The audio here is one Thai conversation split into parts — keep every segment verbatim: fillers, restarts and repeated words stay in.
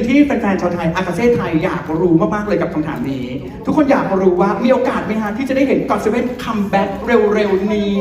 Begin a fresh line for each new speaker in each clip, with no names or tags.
ที่แฟนๆชาวไทยอากาเซ่ไทยอยากรู้มากๆเลยกับคำถามนี้ทุกคนอยากรู้ว่ามีโอกาสไหมฮะที่จะได้เห็นก็อตเซเว่นคัมแบ็กเร็วๆนี้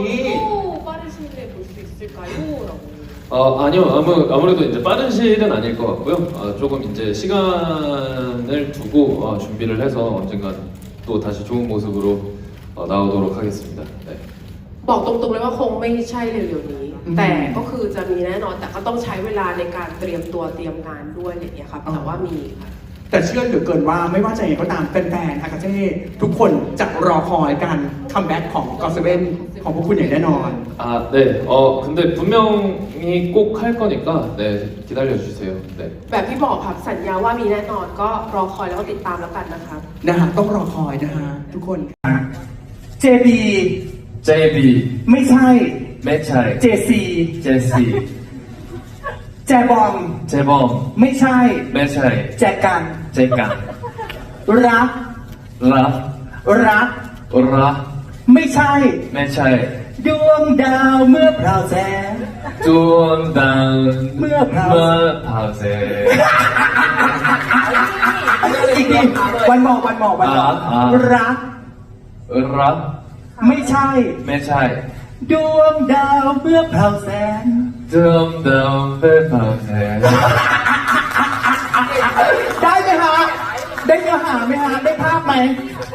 어, 아니요, 아무, 아무래도 이제 빠른 시일은 아닐 것 같고요. 어, 조금 이제 시간을 두고 어, 준비를 해서 언젠가 또 다시 좋은 모습으로 어, 나오도록 하겠습니다. 네.
บอกตรงๆเลยว่าคงไม่ใช่เร็วๆนี้ แต่ก็คือจะมีแน่นอนแต่ก็ต้องใช้เวลาในการเตรียมตัวเตรียมงานด้วยอะไรอย่างเงี้ยครับแต่ว่ามีค่ะ
แต่เชื่อเหลือเกินว่าไม่ว่าจะยังไงก็ตามแฟนๆอากาเซ่ทุกคนจะรอคอยการคัมแบ็กของก็อตเซเว่นของพวกคุณอย่างแน่นอน
아, 네. 어, 근데 분명히 꼭 할 거니까 네, 기다려 주세요. 네.
แบบที่บอกครับสัญญาว่ามีแน่นอนก็รอคอยแล้วก็ติดตามแล้วกันนะครับ
นะฮะต้องรอคอยนะฮะทุกคน เจ บี
제이비,
ไม่ใช่
매차이,
เจ ซี
제시,
แจบอม
재범,
ไม่ใช่
매차이,
แจกัน
제깡,
รัก
라,
รัก
라,
ไม่ใช่
매차이,
ดวงดาวเมื่อพราวแสง
쫀당,
뭐야,
파세.
อีกทีวันหมอกวันหมอกวันหมอก
อ่าอ่า
รัก
라,
ไม่ใช่
매차이,
ดวงดาวเมื่อพราวแสง
쫀당, 파세.
ได้ไหมฮะได้เนื้อหาไหมฮะได้ภาพไหม